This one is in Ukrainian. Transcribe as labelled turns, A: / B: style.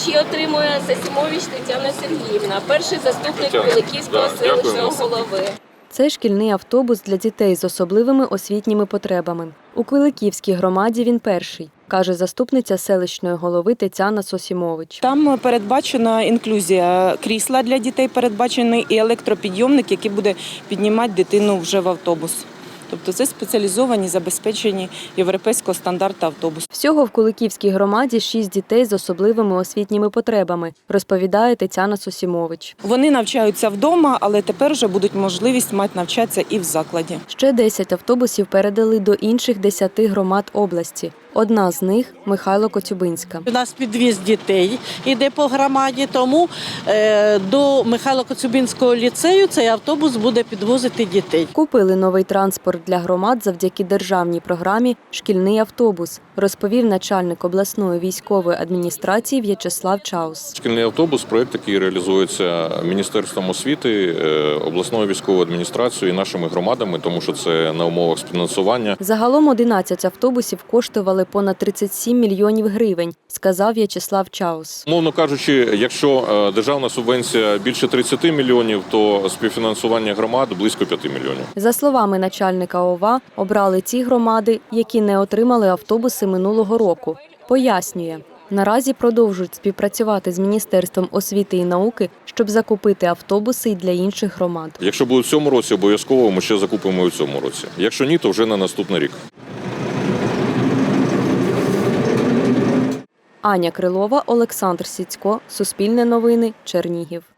A: Ключі отримує Засімович Тетяна Сергіївна, перший заступник Куликівського селищного голови.
B: Це шкільний автобус для дітей з особливими освітніми потребами. У Куликівській громаді він перший, каже заступниця селищної голови Тетяна Сосімович.
C: Там передбачена інклюзія крісла для дітей, передбачений і електропідйомник, який буде піднімати дитину вже в автобус. Тобто це спеціалізовані, забезпечені європейського стандарту автобуси.
B: Всього в Куликівській громаді 6 дітей з особливими освітніми потребами, розповідає Тетяна Сосімович.
C: Вони навчаються вдома, але тепер вже будуть можливість мати навчатися і в закладі.
B: Ще 10 автобусів передали до інших 10 громад області. Одна з них – Михайло Коцюбинська.
D: У нас підвіз дітей іде по громаді, тому до Михайло-Коцюбинського ліцею цей автобус буде підвозити дітей.
B: Купили новий транспорт для громад завдяки державній програмі «Шкільний автобус», розповів начальник обласної військової адміністрації В'ячеслав Чаус.
E: Шкільний автобус – проєкт, який реалізується Міністерством освіти, обласною військовою адміністрацією і нашими громадами, тому що це на умовах співфінансування.
B: Загалом 11 автобусів коштували понад 37 мільйонів гривень, сказав В'ячеслав Чаус.
E: Мовно кажучи, якщо державна субвенція більше 30 мільйонів, то співфінансування громад близько 5 мільйонів.
B: За словами начальника ОВА, обрали ті громади, які не отримали автобуси минулого року. Пояснює, наразі продовжують співпрацювати з Міністерством освіти і науки, щоб закупити автобуси і для інших громад.
E: Якщо буде в цьому році, обов'язково ми ще закупимо і в цьому році. Якщо ні, то вже на наступний рік.
B: Аня Крилова, Олександр Сіцько, Суспільне новини, Чернігів.